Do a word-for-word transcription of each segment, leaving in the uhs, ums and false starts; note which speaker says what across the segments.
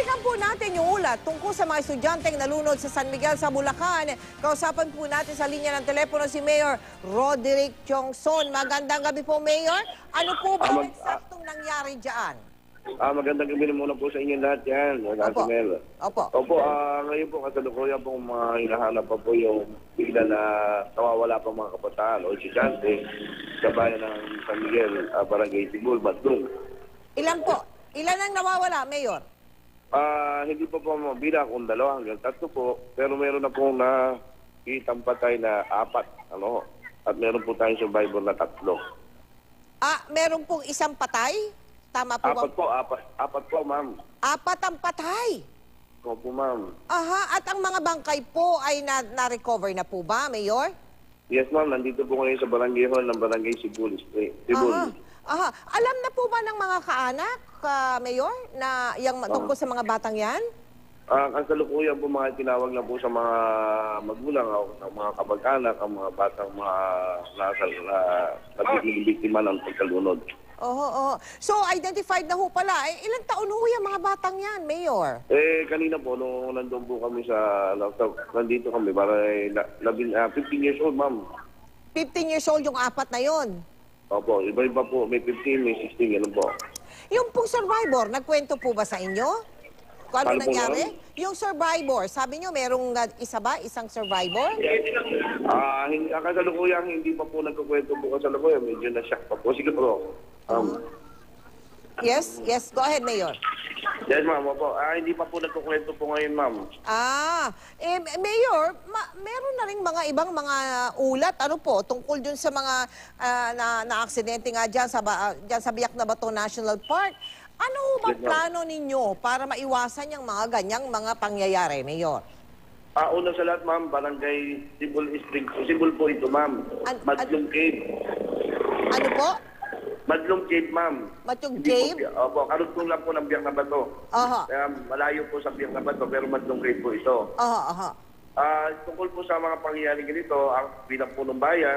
Speaker 1: Tingnan po natin yung ulat tungkol sa mga estudyanteng nalunod sa San Miguel sa Bulacan. Kausapan po natin sa linya ng telepono si Mayor Roderick Tiongson. Magandang gabi po, Mayor. Ano po ba
Speaker 2: Ah,
Speaker 1: ang
Speaker 2: mag-
Speaker 1: eksaktong nangyari dyan?
Speaker 2: Ah, magandang gabi muna po sa inyo lahat yan.
Speaker 1: Opo.
Speaker 2: Mel.
Speaker 1: Opo.
Speaker 2: Opo, ah, ngayon po kasalukuyan po mga hinahanap pa po yung bigla na nawawala pa mga kabataan o estudyante sa bayan ng San Miguel, ah, Barangay Sibol, Badlong.
Speaker 1: Ilan po? Ilan ang nawawala, Mayor?
Speaker 2: Ah, hindi po po mabila kung dalawa hanggang tatlo po, pero meron na pong nakitang patay na apat, ano, at meron po tayong survivor na tatlo.
Speaker 1: Ah, meron pong isang patay? Tama po ba?
Speaker 2: Apat po, apat, apat po, ma'am.
Speaker 1: Apat ang patay.
Speaker 2: Opo, ma'am.
Speaker 1: Aha, at ang mga bangkay po ay na- na-recover na po ba, Mayor?
Speaker 2: Yes, ma'am, nandito po ngayon sa barangay hall ng Barangay Sibol Street. Sibol.
Speaker 1: Aha. Aha. Alam na po ba ng mga kaanak, ah, Mayor, na yung tungkol sa mga batang yan?
Speaker 2: Ah, ang kasalukuyan po mga tinawag na po sa mga magulang o sa mga kamag-anak, ang mga batang mga nasa na nagiging biktima ng pagkalunod.
Speaker 1: Oo, oo. So, identified na ho pala. Eh, ilang taon ho yung mga batang yan, Mayor?
Speaker 2: Eh, kanina po, nung nandun po kami sa, nandito kami, para eh, na, labin, ah, fifteen years old, ma'am.
Speaker 1: fifteen years old yung apat na yon.
Speaker 2: Opo, iba-iba po, may fifteen, may sixteen, ganun po.
Speaker 1: Yung pong survivor, nagkwento po ba sa inyo? Kung ano
Speaker 2: Ano po,
Speaker 1: nangyari?
Speaker 2: ma'am?
Speaker 1: Yung survivor, sabi nyo merong uh, isa ba? Isang survivor?
Speaker 2: Ah, hindi, ang kasalukuyan, hindi pa po nagkukwento po kasalukuyan, medyo na-shock pa po. Sige po. Um,
Speaker 1: Yes, yes. Go ahead, Mayor.
Speaker 2: Yes, ma'am, opo. Ah, hindi pa po nagkukwento po ngayon, ma'am.
Speaker 1: Ah, eh, Mayor, ma- meron na rin mga ibang mga ulat, ano po, tungkol dun sa mga ah, na, na-aksidente nga dyan sa, ba- ah, dyan sa Biak na Bato National Park. Ano ho ba
Speaker 2: Yes, ma'am.
Speaker 1: plano ninyo para maiwasan yung mga ganyang mga pangyayari, Mayor?
Speaker 2: Ah, una sa lahat, ma'am, barangay Sibol Street. Sibol po ito, ma'am.
Speaker 1: An-
Speaker 2: Madlong Cave.
Speaker 1: Ano po?
Speaker 2: Madlong Cave, ma'am.
Speaker 1: Matyong
Speaker 2: Hindi
Speaker 1: Cave?
Speaker 2: Po, opo, karugtong lang po ng Biak na Bato.
Speaker 1: Aha.
Speaker 2: Kaya malayo po sa Biak na Bato, pero Madlong Cave po ito.
Speaker 1: Aha, aha.
Speaker 2: Ah, tungkol po sa mga pangyayari ganito, ang bilang po ng bayan,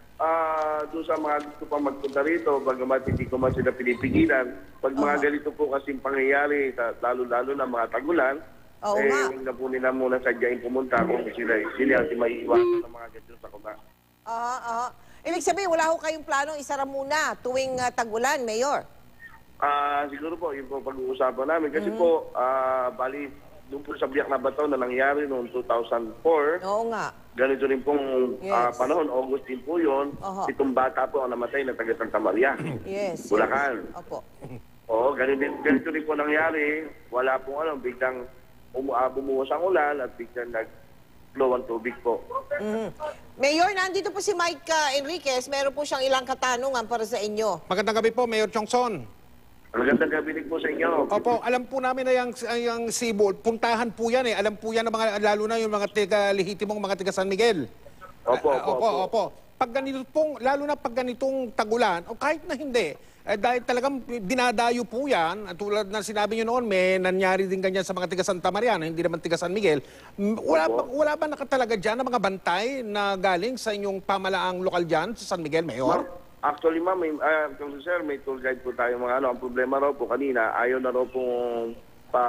Speaker 2: ah, doon sa mga gusto pang magpunta rito, bagamat hindi ko man sila pinipigilan, pag mga
Speaker 1: Aha.
Speaker 2: ganito po kasing pangyayari, ta- lalo-lalo na mga tagulan,
Speaker 1: Oo
Speaker 2: eh,
Speaker 1: nga.
Speaker 2: huwag na po nila muna sadyain pumunta kung sila, sila ang maiiwasan ng mga ganito sa kuna.
Speaker 1: Aha, aha. Ibig sabihin, wala ho kayong planong isara muna tuwing uh, tag-ulan, Mayor?
Speaker 2: Ah, siguro po, yun po pag-uusapan namin. Kasi po, ah, bali, doon po sa Biak na Bato na nangyari noong two thousand four,
Speaker 1: Oo nga.
Speaker 2: ganito rin pong ah,
Speaker 1: Yes.
Speaker 2: panahon, August din po yun,
Speaker 1: Aha.
Speaker 2: itong bata po ang namatay na taga Santa Maria.
Speaker 1: Yes.
Speaker 2: Bulacan.
Speaker 1: Yes. Opo.
Speaker 2: Oo, ganito, din- ganito rin po nangyari. Wala pong ano, biglang umu- ah, bumuhos ang ulan at biglang nag-flow ang tubig po.
Speaker 1: Mhm. Mayor, nandito po si Mike uh, Enriquez. Meron po siyang ilang katanungan para sa inyo.
Speaker 3: Magandang gabi po, Mayor Tiongson.
Speaker 2: Magandang gabi din po sa inyo.
Speaker 3: Opo, alam po namin na yung, yung Sibol, puntahan po yan eh. Alam po yan ng mga, lalo na yung mga tiga lehitimong mga tiga San Miguel.
Speaker 2: Opo,
Speaker 3: Ah,
Speaker 2: opo,
Speaker 3: opo,
Speaker 2: opo.
Speaker 3: opo. Pag ganito pong, lalo na pag ganitong tagulan, o kahit na hindi, eh, dahil talagang dinadayo po yan, at tulad na sinabi nyo noon, may nangyari din ganyan sa mga tiga Santa Maria, na hindi naman tiga San Miguel. M- Wala,
Speaker 2: Opo.
Speaker 3: ba, wala ba nakatalaga dyan ng mga bantay na galing sa inyong pamalaang lokal dyan sa San Miguel, Mayor?
Speaker 2: Ma'am, actually, ma'am, may, uh, sir, may tour guide po tayo mga ano. Ang problema raw po kanina, ayaw na raw pong pa,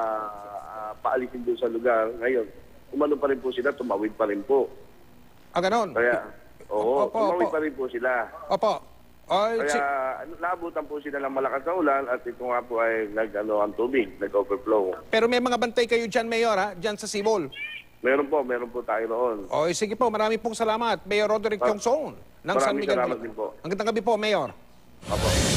Speaker 2: ah, paalisin doon sa lugar. Ngayon, umano pa rin po sila, tumawid pa rin po.
Speaker 3: Ah, ganon?
Speaker 2: Kaya, oo,
Speaker 3: Opo,
Speaker 2: tumawid
Speaker 3: opo.
Speaker 2: pa rin po sila.
Speaker 3: Opo. Ay,
Speaker 2: Kaya,
Speaker 3: si-
Speaker 2: ano, naabutan po sila ng malakas na ulan at ito nga po ay nag, ano, ang tubig, nag-overflow.
Speaker 3: pero may mga bantay kayo dyan, Mayor, ha? Dyan sa Sibol.
Speaker 2: Meron po, meron po tayo roon.
Speaker 3: O, sige po, maraming pong salamat. Mayor Roderick
Speaker 2: Ah,
Speaker 3: Tiongson ng San
Speaker 2: maraming
Speaker 3: Miguel.
Speaker 2: salamat din po.
Speaker 3: Ang gandang gabi po, Mayor.
Speaker 2: Opo.